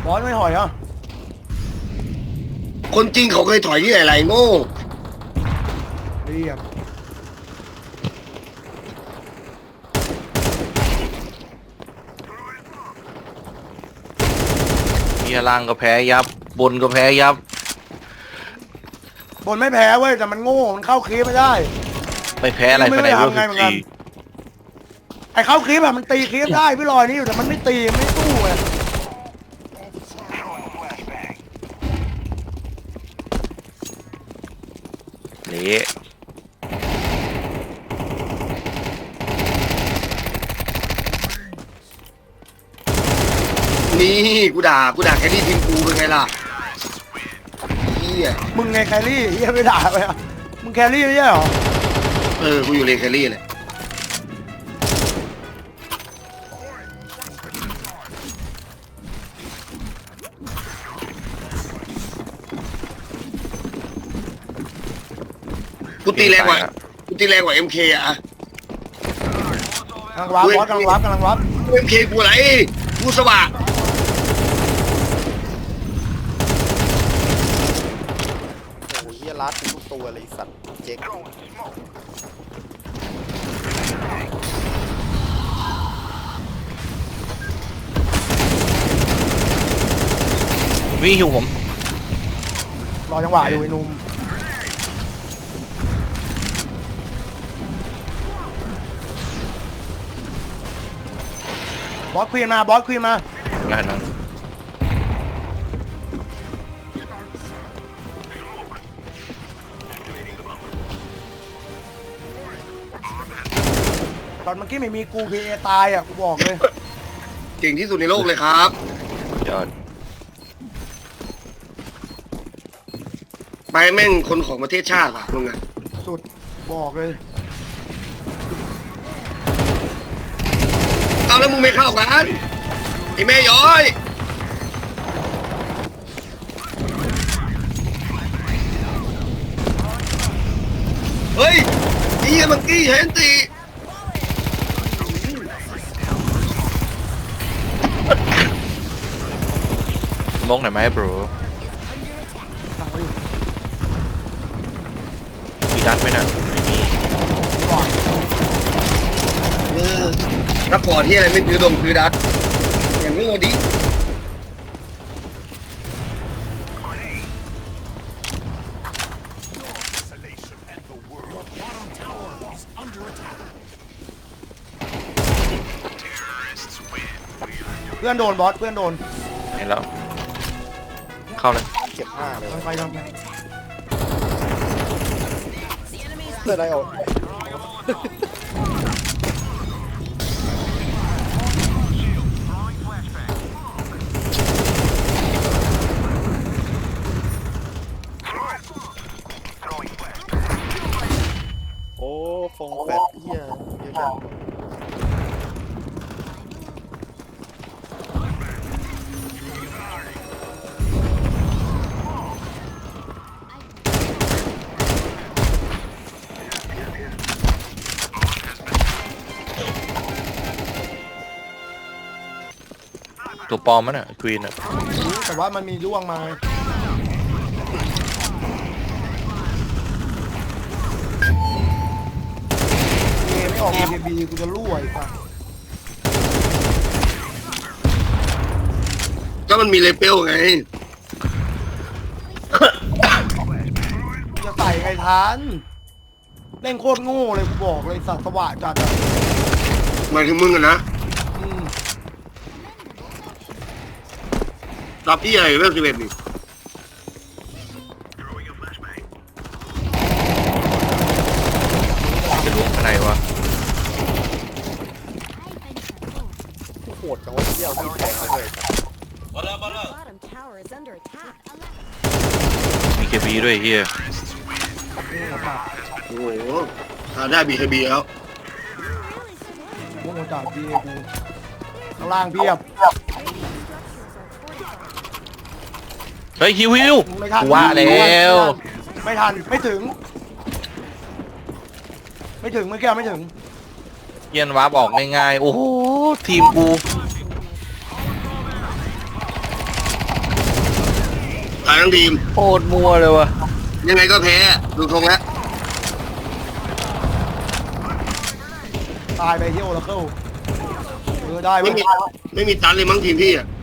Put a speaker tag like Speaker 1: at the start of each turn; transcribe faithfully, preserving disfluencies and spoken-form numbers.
Speaker 1: บอสไม่ถอยเหรอ
Speaker 2: คนจริงเขาเคยถอยที่ไหนไรโง่
Speaker 1: เรียบ
Speaker 3: เฮียล่างก็แพ้ยับบนก็แพ้ยับบ
Speaker 1: นไม่แพ้เว้ยแต่มันโง่มันเข้าคลิปไม่ได้
Speaker 3: ไม่แพ้อะไร
Speaker 1: ไม่
Speaker 3: ภายใน
Speaker 1: ได้
Speaker 3: เวล
Speaker 1: ทำไง
Speaker 3: สิ
Speaker 1: เหมื
Speaker 3: บ
Speaker 1: อนกัน
Speaker 3: สี่
Speaker 1: ไอ้เข้าคลิปอะมันตีคลิปได้พี่ลอยนี่อยู่แต่มันไม่ตีมันไม่สู้ไง
Speaker 3: นี่
Speaker 2: นี่กูด่ากูด่าแค่นี้ทีมกูเป็นไงล่ะเฮีย
Speaker 1: มึงไงแครี่เฮียไปด่าไปอะมึงแครี่ไม่ใช่เหรอ
Speaker 2: เออกูอยู่เลนแครี่เลยกูตีแรงกว่ากูตีแรงกว่าเอ็มเคอะ
Speaker 1: กำลังวับบอสกำลังวับกำลังวับ
Speaker 2: เอ็มเคกูอะไรกูสว่าง
Speaker 4: โอ้ยเฮียรัดทุกตัวเลยสัตว์เจ๊ก
Speaker 3: วิ่งหิวผม
Speaker 1: รอจังหวะอยู่ไอ้หนุ่มบอสควีนมาบอสควีนมา
Speaker 3: งานนั้น
Speaker 1: ตอนเมื่อกี้ไม่มีกูพีเอตายอ่ะกูบอกเลย
Speaker 2: เก่งที่สุดในโลกเลยครับ
Speaker 3: ยอด
Speaker 2: ไปแม่งคนของประเทศชาติว่ะมึงอะ
Speaker 1: สุดบอกเลย
Speaker 2: เอาแล้วมึงไม่เข้ากันไอ้แม่ย้อย เฮ้ยไอ้เหี้ยมังกี้เห็นตี
Speaker 3: มองหน่อยไหมบรูมีดัดไหมน่ะไม่มี
Speaker 2: เออรับพอที่อะไรไม่ถือดมถือดัดอย่างนี้โง่ดิ
Speaker 1: เพื่อนโดนบอสเพื่อนโดน
Speaker 3: เห็นแล้ว เข้าเลย
Speaker 4: เก็บห้าเลย
Speaker 1: ทำไปทำไป
Speaker 4: เพื่อนอะไรออกโอ้ฟงแฟตเฮียเยอะจัง
Speaker 3: ตัวปลอมมันอ่ะควีนอ่ะ
Speaker 1: แต่ว่ามันมีร่วงมาเอไม่ออกเอบีกูจะรั่วอีกอ่ะ
Speaker 2: ก็มันมีเลเปลไง
Speaker 1: จะใส่ไงทันเล่นโคตรโง่เลยกูบอกเลยสัตว์สว่างจัดอ่ะ
Speaker 2: หมายถึงมึงอะนะ
Speaker 1: อืม
Speaker 2: รับที่ใหญ่เวลสิบเอ็ดนี่
Speaker 3: จะล้วงข้างในวะ
Speaker 4: โหดจังวะเฮียเอาที่แทงมาเลย
Speaker 5: Bottom tower is under attack.
Speaker 3: มีเคบีด้วยเฮีย
Speaker 2: โอ้โหหาได้บีเคบีแล้ว
Speaker 1: โง่จัดบีเอกูข้างล่างเพียบ
Speaker 3: เฮ้ยฮิวฮิว
Speaker 1: ไม่ทัน
Speaker 3: กูว่าแล้ว
Speaker 1: ไม่ทันไม่ถึง ไม่ถึงเมื่อกี้ไม่ถึง
Speaker 3: เยียนวาร์ปออกง่ายๆ โอ้โห ทีมกู
Speaker 2: ายทั้งทีม
Speaker 3: โคตรมัวเลยวะ
Speaker 2: ยังไงก็แพ้ดูทรงแล้ว
Speaker 1: ตายไปเที่ยวโอราเคิลเออได้เว้
Speaker 2: ไม่
Speaker 1: ย
Speaker 2: มีไม่มีตันเลยมั้งทีมพี่อ่ะ